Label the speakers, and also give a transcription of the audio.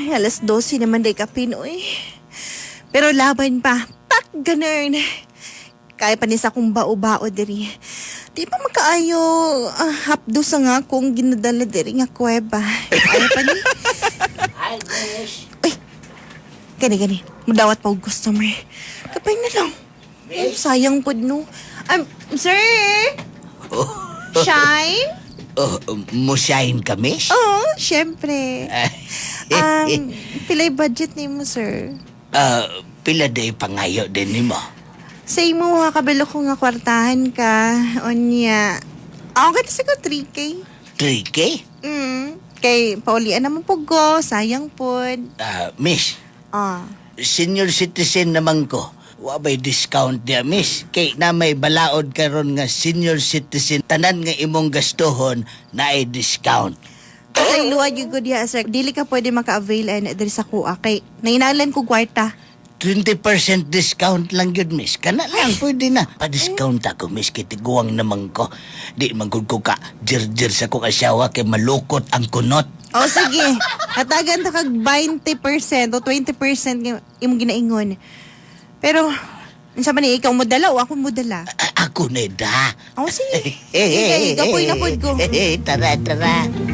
Speaker 1: Alas 12 naman day kapin, uy. Pero laban pa. Tak, ganun. Kaya pa ni sa kong bao-bao diri. Di pa makaayo hapdo sa nga kung ginadala diri nga kuweba. Kaya pa ni.
Speaker 2: Hi, Miss.
Speaker 1: Uy, gani. Madawat pa og customer. Kapay na lang. Ay, sayang pod no. Sir? Shine?
Speaker 2: Musayin ka, Miss?
Speaker 1: Oo, syempre. Pilay budget ni mo, sir?
Speaker 2: Pila day pangayo din ni mo?
Speaker 1: Sa imo, kabalo ko nga kwartahan ka. Onya. Okay na siguro 3K.
Speaker 2: 3K?
Speaker 1: Kay paulian naman po go. Sayang pod.
Speaker 2: Miss, senior citizen naman ko. Wabay discount niya, Miss. Kay na may balaod karon nga senior citizen, tanan nga imong gastuhon na ay discount.
Speaker 1: Kasi luwag yung good ya, sir. Dili ka pwede maka-avail diri sa kuha. Kay nainalan ko kwarta.
Speaker 2: 20% discount lang yun, Miss. Kana lang, pwede na. Pa-discount ako, Miss, kay tiguang naman ko. Di man gud ko ka jir-jir sa kong asawa kay malukot ang kunot.
Speaker 1: O sige, hatagan ta kag 20% o 20% nga imong ginaingon. Pero, unsa man ni ikaw mo dala o ako mo dala?
Speaker 2: Ako na da.
Speaker 1: O sige. Gapoy na pod ko.
Speaker 2: Tara.